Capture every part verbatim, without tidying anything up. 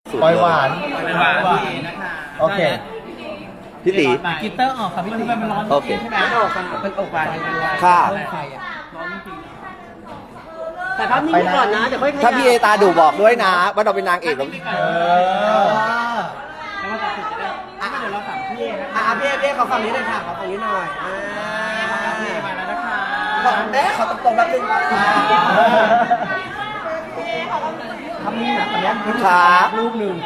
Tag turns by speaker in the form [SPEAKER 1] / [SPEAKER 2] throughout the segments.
[SPEAKER 1] ปล่อยหวาน
[SPEAKER 2] ปล่อยหวานพี่นะคะ
[SPEAKER 1] โอเค
[SPEAKER 3] พี่ตี
[SPEAKER 2] กิตเตอร์ออกค่ะพี่ตีมันร้อน
[SPEAKER 3] โอเค
[SPEAKER 2] ใช่ไหมออกค่ะเป็นอกหวานอย่างเดียว
[SPEAKER 3] ค่ะ
[SPEAKER 2] ไฟอ่ะร้อนจริง
[SPEAKER 4] แต่ภาพนิ่งก่อนนะเดี๋ยวค่อยขยับ
[SPEAKER 3] ถ้าพี่เอตาดูบอกด้วยนะว่าเราเป็นนางเอกแล้ว
[SPEAKER 2] เออแล้วมาตัดสินจะได้อ่ะเดี๋ยวเราถามพี่เอนะ
[SPEAKER 4] อ่ะ
[SPEAKER 2] คะ
[SPEAKER 4] พี่เอพี่เอขอฝั่งนี้หน่อยค่ะขอฝั่งนี้หน่อยอ่า
[SPEAKER 2] พี่เอมาแล้วนะคะ
[SPEAKER 4] ขอเอ๊ะขอตรงๆแป๊บนึงทำนี่นะตอนนี้
[SPEAKER 3] ขา
[SPEAKER 4] รูปหนึ่ง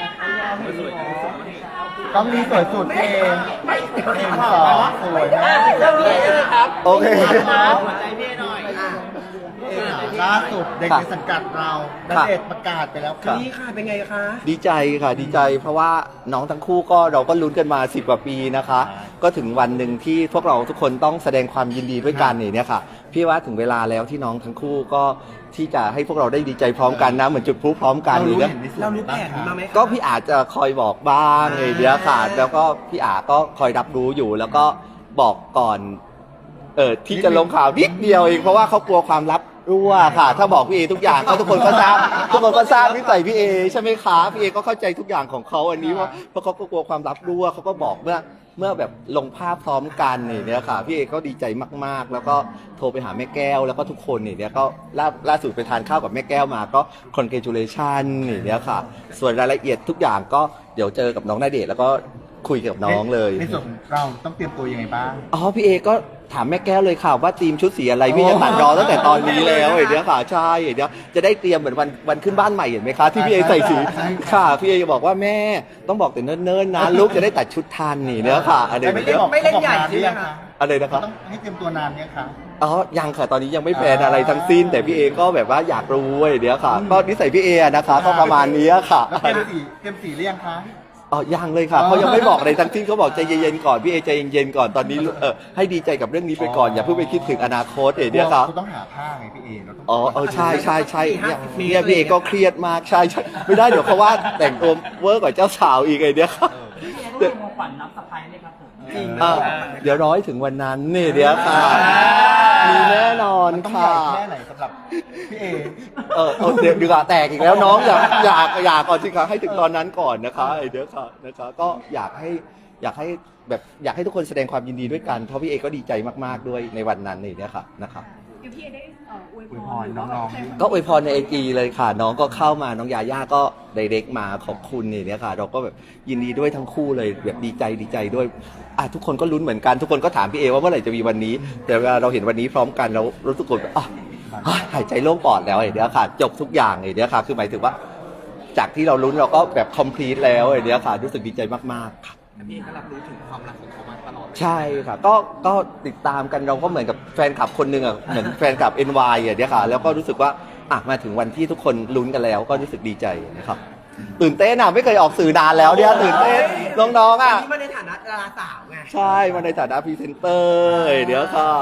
[SPEAKER 1] ต้องมีสวยสุดเองเอ็มสองสวยมาก
[SPEAKER 4] เรื่องนี้เลยครับ
[SPEAKER 3] โอเค
[SPEAKER 2] หัวใจพี่เอหน่อย
[SPEAKER 4] อ่ะ
[SPEAKER 1] ล่าสุดเด็กในสังกัดเราณเดชน์ประกาศไปแล้วค่ะ
[SPEAKER 4] นี่ค่ะเป็นไงคะ
[SPEAKER 3] ดีใจค่ะดีใจเพราะว่าน้องทั้งคู่ก็เราก็ลุ้นกันมาสิบกว่าปีนะคะ ก็ถึงวันหนึ่งที่พวกเราทุกคนต้องแสดงความยินดีด้วยกันเนี่ยค่ะพี่ว่าถึงเวลาแล้วที่น้องทั้งคู่ก็ที่จะให้พวกเราได้ดีใจพร้อมกันนะเหมือนจุดพลุพร้อมกัน
[SPEAKER 1] เรารู้
[SPEAKER 3] เนี่ย
[SPEAKER 1] เห็นในส่วน
[SPEAKER 4] เรา
[SPEAKER 1] ไหน
[SPEAKER 4] รู้แผ
[SPEAKER 1] บ้าง
[SPEAKER 4] น
[SPEAKER 1] คะ
[SPEAKER 4] มาไหมคะ
[SPEAKER 3] ก็พี่อาจจะคอยบอกบ้างไงเดียวค่ะแล้วก็พี่อาก็คอยรับรู้อยู่แล้วก็บอกก่อนเออที่จะลงข่าวนิดเดียวเองเพราะว่าเขากลัวความลับรั่วค่ะ ถ้าบอกพี่เอทุกอย่างก็ทุกคนก็ทราบทุกคนก็ทราบนิสัยพี่เอใช่ไหมคะพี่เอก็เข้าใจทุกอย่างของเขาอันนี้ว่าเพราะเขาก็กลัวความลับรั่วเขาก็บอกเมื่อเมื่อแบบลงภาพพร้อมกันนี่เนี่ยค่ะพี่เอก็ดีใจมากๆ แล้วก็โทรไปหาแม่แก้วแล้วก็ทุกคนนี่เนี่ยก็ล่าล่าสุดไปทานข้าวกับแม่แก้วมาก็ congratulation นี่เนี่ยค่ะ ส่วนรายละเอียดทุกอย่างก็เดี๋ยวเจอกับน้องณเดชน์แล้วก็คุยกับน้องเลย
[SPEAKER 1] ในส่วนของเราต้องเตรียมตัวยังไงบ้าง
[SPEAKER 3] อ๋อพี่เอก็ถามแม่แก้วเลยค่ะว่าทีมชุดสีอะไรพี่จะตัดรอตั้งแต่ตอนนี้แล้วเดี๋ยวค่ะใช่เดี๋ยวจะได้เตรียมเหมือนวันวันขึ้นบ้านใหม่เห็นไหมคะที่พี่เอใส่สีค่ะพี่เอจะบอกว่าแม่ต้องบอกแต่เนิ่นๆนะลูกจะได้ตัดชุดทันนี่เนื้อค่ะอะไร
[SPEAKER 1] ไม่
[SPEAKER 3] เนี้
[SPEAKER 1] ได้
[SPEAKER 3] ย
[SPEAKER 1] บอก
[SPEAKER 4] ไม่เล่นใหญ่
[SPEAKER 1] บอกา
[SPEAKER 4] ใช่ไหม
[SPEAKER 1] รือยัง
[SPEAKER 4] คะ
[SPEAKER 3] อะไรนะครับ
[SPEAKER 1] ต้องให้เตรียมตัวนานเนี่ยค่ะ
[SPEAKER 3] อ๋อยังค่ะตอนนี้ยังไม่แพลนอะไรทั้งสิ้น แต่พี่เอก็แบบว่าอยากรู้เดี๋ยวค่ะก็นิสัยพี่เอนะคะก็ประมาณนี้ค่ะ
[SPEAKER 1] แล้วเตรียมสีเตรียมสีหรือยังคะ
[SPEAKER 3] อ๋อยังเลยค่ะเขายังไม่บอกอะไรทั้งสิ้นเขาบอกใจเย็นๆก่อนพี่เอใจเย็นๆก่อนตอนนี้เออให้ดีใจกับเรื่องนี้ไปก่อนอย่าเพิ่งไปคิดถึงอนาคตเอเดียวครับ
[SPEAKER 1] คุณต้องหาผ้าไงพี่เอเราต้อง
[SPEAKER 3] อ๋อเออใช่ใช่ใช่เนี่ยเนี่ยพี่เอก็เครียดมากใช่ใช่ไม่ได้เดี๋ยวเขาว่าแต่งตัวเวอร์กว่าเจ้าสาวอีกไอเดียครับ
[SPEAKER 2] พี่เอต้องมีของขวัญรับสะพายไหมครับผม
[SPEAKER 4] จริง
[SPEAKER 3] อ่ะเดี๋ยวร้อยถึงวันนั้นนี่เดี๋ยวค่ะมีแน่นอน
[SPEAKER 1] มันต้องให
[SPEAKER 3] ค่ะ
[SPEAKER 1] ญ่แค่ไหนสำหรับพี่เอ
[SPEAKER 3] เออเออเดี๋ยวดีกว่าแตกอีกแล้วน้องอยากอยากอยากก่อนสิคะให้ถึงตอนนั้นก่อนนะคะไอเดียค่ะนะคะก็อยากให้อยากให้แบบอยากให้ทุกคนแสดงความยินดีด้วยกันเพราะพี่เอก็ดีใจมากๆด้วยในวันนั้นนี่เนี่ยค่ะนะครับ
[SPEAKER 5] เดี๋ยวพี่เอได้เอ่ออวย
[SPEAKER 1] อวย
[SPEAKER 5] พ
[SPEAKER 1] พ
[SPEAKER 5] ร
[SPEAKER 1] รน้องๆ
[SPEAKER 3] ก็อวยพรในไอจีเลยค่ะ น้องก็เข้ามาน้องยาย่าก็ไดเรกมาขอบคุณนี่เนี่ยค่ะ เราก็แบบยินดีด้วยทั้งคู่เลยแบบดีใจดีใจด้วยอ่ะทุกคนก็ลุ้นเหมือนกันทุกคนก็ถามพี่เอว่าเมื่อไหร่จะมีวันนี้ แต่เวลาเราเห็นวันนี้พร้อมกันเรารู้สึกแบบอ่ะอ่ะหายใจโล่งปอดแล้วไอ้เดียวค่ะ จบทุกอย่างไอ้เดียวค่ะ คือหมายถึงว่า จากที่เราลุ้นเราก็แบบคอมพลีทแล้วไอ้เดียวค่ะ รู้สึกดีใจมากๆค่ะ
[SPEAKER 2] พี่เอก็รับรู้ถึงความรักของเขามาตลอด
[SPEAKER 3] ใช่ค่ะก็ก็ติดตามกันเราก็เหมือนกับแฟนคลับคนหนึ่งอ่ะเหมือนแฟนคลับ เอ็น วาย อ่ะเนี่ยค่ะแล้วก็รู้สึกว่าอ่ะมาถึงวันที่ทุกคนลุ้นกันแล้วก็รู้สึกดีใจนะครับตื่นเต้นอ่ะไม่เคยออกสื่อนานแล้วเนี่ยตื่นเต้นน้องๆอ่ะ
[SPEAKER 4] อันนี้มาในฐานะดาราสาวไง
[SPEAKER 3] ใช่มาในฐานะพรีเซนเตอร์เดี๋ยวค่ะ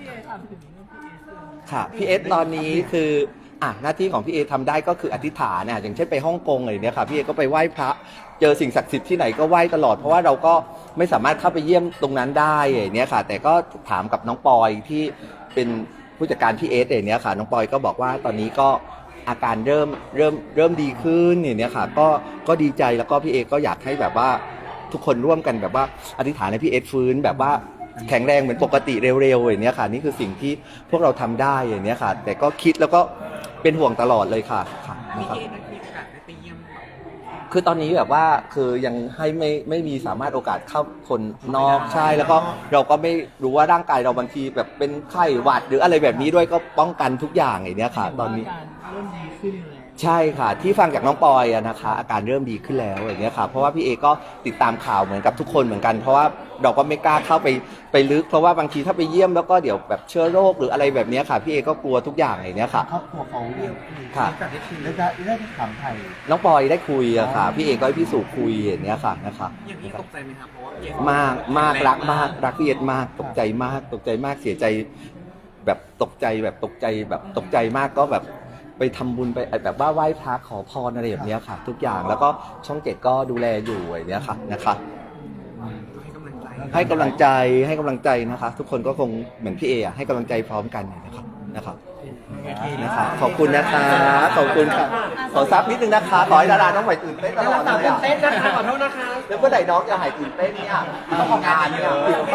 [SPEAKER 3] ค่ะพี่เอสตอนนี้คืออ่ะหน้าที่ของพี่เอทำได้ก็คืออธิษฐานนะอย่างเช่นไปฮ่องกงอะไรเนี่ยค่ะพี่เอก็ไปไหว้พระเจอสิ่งศักดิ์สิทธิ์ที่ไหนก็ไหว้ตลอดเพราะว่าเราก็ไม่สามารถเข้าไปเยี่ยมตรงนั้นได้อย่างเนี้ยค่ะ แต่ก็ถามกับน้องปอยที่เป็นผู้จัดการพี่เอสอย่างเนี้ยค่ะน้องปอยก็บอกว่าตอนนี้ก็อาการเริ่มเริ่มเริ่มดีขึ้นอย่างเนี้ยค่ะก็ก็ดีใจแล้วก็พี่เอก็อยากให้แบบว่าทุกคนร่วมกันแบบว่าอธิษฐานให้พี่เอสฟื้นแบบว่าแข็งแรงเหมือนปกติเร็วๆอย่างเนี้ยค่ะนี่คือสิ่งที่พวกเราทำได้อย่างเนี้ยค่ะ แต่ก็คิดแล้วก็เป็นห่วงตลอดเลยค่ะค่ะ
[SPEAKER 2] พี่
[SPEAKER 3] นะครับ
[SPEAKER 2] เอได้มีโอกาสได้ไปเยี่ยม
[SPEAKER 3] คือตอนนี้แบบว่าคือยังให้ไม่ไม่มีสามารถโอกาสเข้าคนนอกใช่แล้วก็เราก็ไม่รู้ว่าร่างกายเราบางทีแบบเป็นไข้หวัดหรืออะไรแบบนี้ด้วยก็ป้องกันทุกอย่างอย่างเนี้ยค่ะ ตอนนี้
[SPEAKER 2] การเริ่มดีขึ้นเลย
[SPEAKER 3] ใช่ค่ะที่ฟังจากน้องปอยอะนะคะอาการเริ่มดีขึ้นแล้วอย่างเงี้ยค่ะเพราะว่าพี่เอก็ติดตามข่าวเหมือนกับทุกคนเหมือนกัน เพราะว่าเราก็ไม่กล้าเข้าไปไปลึกเพราะว่าบางทีถ้าไปเยี่ยมแล้วก็เดี๋ยวแบบเชื้อโรคหรืออะไรแบบเนี้ยค่ะพี่เอก็กลัวทุกอย่างอย่างเนี้ยค่ะ
[SPEAKER 1] ครอบครัวเขา
[SPEAKER 3] ค่ะ
[SPEAKER 1] ได้ได้ได้ถามไทย
[SPEAKER 3] น้องปอยได้คุยอะค่ะพี่เอก็ให้พี่สุคุยอย่างเนี้ยค่ะนะคะ
[SPEAKER 2] อย่างนี้ตกใจไหมครับเพราะว่าพี่เอ
[SPEAKER 3] มากมากรักมากรักพี่เอสมากตกใจมากตกใจมากเสียใจ แบบตกใจแบบตกใจแบบตกใจมากก็แบบไปทำบุญไปแบบว่าไหว้พระขอพรอะไรแบบเนี้ยค่ะ ทุกอย่างแล้วก็ช่องเจ็ดก็ดูแลอยู่อย่างเนี้ยค่ะนะคะ
[SPEAKER 2] ให้กำลังใจ
[SPEAKER 3] ให้กำลังใจให้กำลังใจนะคะ ทุกคนก็คงเหมือนพี่เออะให้กำลังใจพร้อมกันนะครับนะครับ
[SPEAKER 2] พี่
[SPEAKER 3] นะคะขอบคุณนะคะขอบคุณค่ะขอซับนิดนึงนะคะขอให้ดาราน้องใหม่ตื่นเต้นต
[SPEAKER 4] ดา
[SPEAKER 3] ลอ
[SPEAKER 4] รา
[SPEAKER 3] ด
[SPEAKER 4] สาว
[SPEAKER 3] เลย
[SPEAKER 4] ตื่น
[SPEAKER 3] อะ
[SPEAKER 4] เต้นนะคะขอโทษนะคะ
[SPEAKER 3] แล้วเมื่อไหร่น้องจะหายตื่นเต้นเนี่ยต้องทำงานเนี่ย